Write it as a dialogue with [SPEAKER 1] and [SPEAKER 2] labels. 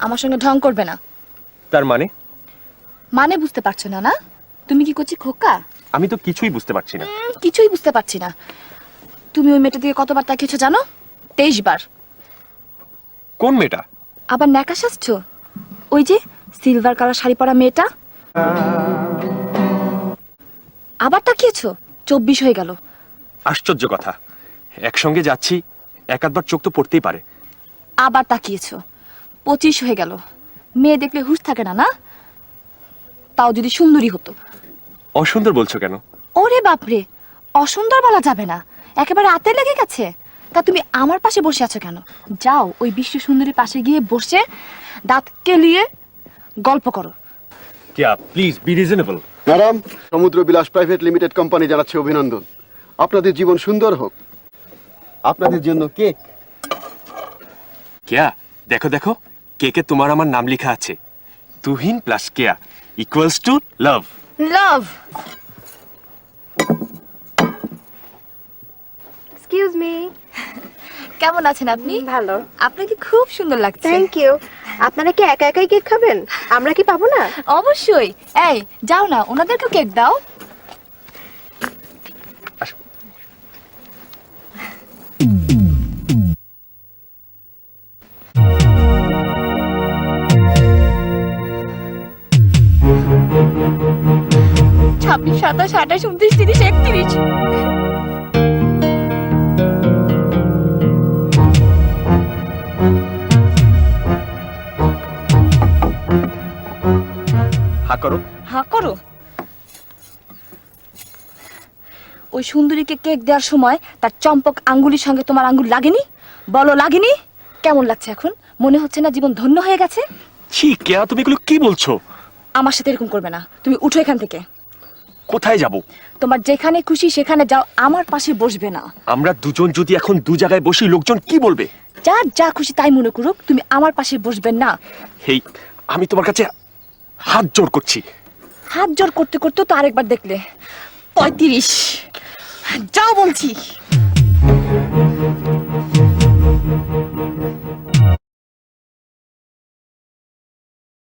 [SPEAKER 1] আমার সঙ্গে ঢং করবে না।
[SPEAKER 2] তার মানে?
[SPEAKER 1] মানে বুঝতে পারছো না? না তুমি কি করছি খোকা?
[SPEAKER 2] আমি তো কিছুই বুঝতে পারছি না।
[SPEAKER 1] কিছুই বুঝতে পারছি না। তুমি ওই মেয়েটা দিয়ে কতবার তাকিয়েছো জানো? 23 বার।
[SPEAKER 2] কোন মেয়েটা?
[SPEAKER 1] আবার ন্যাকা সাজছো? ওই যে সিলভার কালার শাড়ি পরা মেয়েটা। আবার তাকিয়েছো? 24 হয়ে গেল।
[SPEAKER 2] আশ্চর্য কথা, একসঙ্গে যাচ্ছি, এক আধবার চোখ তো পড়তেই পারে।
[SPEAKER 1] আবার তাকিয়েছো? 25 হয়ে গেল। মেয়ে দেখলে হুঁশ থাকে না? না তাও যদি সুন্দরী হতো।
[SPEAKER 2] অসুন্দর বলছো কেন?
[SPEAKER 1] ওরে বাপরে, অসুন্দর বলা যাবে না, একেবারে আতে লেগে গেছে। তা তুমি আমার পাশে বসে আছো কেন? যাও ওই বিশ্ব সুন্দরীর পাশে গিয়ে বসে দাঁত কেলিয়ে গল্প করো।
[SPEAKER 2] Keya, please be reasonable.
[SPEAKER 3] Madam, Samudra Bilas private limited company জানাচ্ছে অভিনন্দন। আপনাদের জীবন সুন্দর হোক। আপনাদের জন্য কেক।
[SPEAKER 2] কেয়া, দেখো দেখো, কেকে তোমার আমার নাম লেখা আছে। Tuhin plus Keya equals to love.
[SPEAKER 1] Love.
[SPEAKER 4] Excuse me.
[SPEAKER 1] কেমন আছেন আপনি?
[SPEAKER 4] ভালো।
[SPEAKER 1] আপনাকে খুব সুন্দর লাগছে।
[SPEAKER 4] Thank you. আপনারা কি একা একাই কেক খাবেন? আমরা কি পাবো না?
[SPEAKER 1] অবশ্যই। এই যাও না, ওনাদেরকেও কেক দাও।
[SPEAKER 2] আসো।
[SPEAKER 1] ছাব্বিশ, 27, 28, 29, 30, 31।
[SPEAKER 2] হা করো।
[SPEAKER 1] হ্যাঁ করো। ওই সুন্দরীকে কেক দেওয়ার সময় তার চম্পক আঙ্গুলির সঙ্গে তোমার আঙ্গুল লাগেনি? বলো লাগেনি? কেমন লাগছে এখন? মনে হচ্ছে না জীবন ধন্য হয়ে গেছে?
[SPEAKER 2] ছি কেয়া, তুমি এগুলো কি বলছো?
[SPEAKER 1] আমার সাথে এরকম করবে না। তুমি উঠো এখান থেকে।
[SPEAKER 2] কোথায় যাব?
[SPEAKER 1] তোমার যেখানে খুশি সেখানে যাও, আমার পাশে বসবে না।
[SPEAKER 2] আমরা দুজন যদি এখন দু জায়গায় বসি, লোকজন কি বলবে?
[SPEAKER 1] যার যা খুশি তাই মনে করুক, তুমি আমার পাশে বসবেন না।
[SPEAKER 2] হেই, আমি তোমার কাছে হাত জোড় করছি।
[SPEAKER 1] হাত জোর করতে করতে তো আরেকবার দেখলে। 35। যাও বলছি।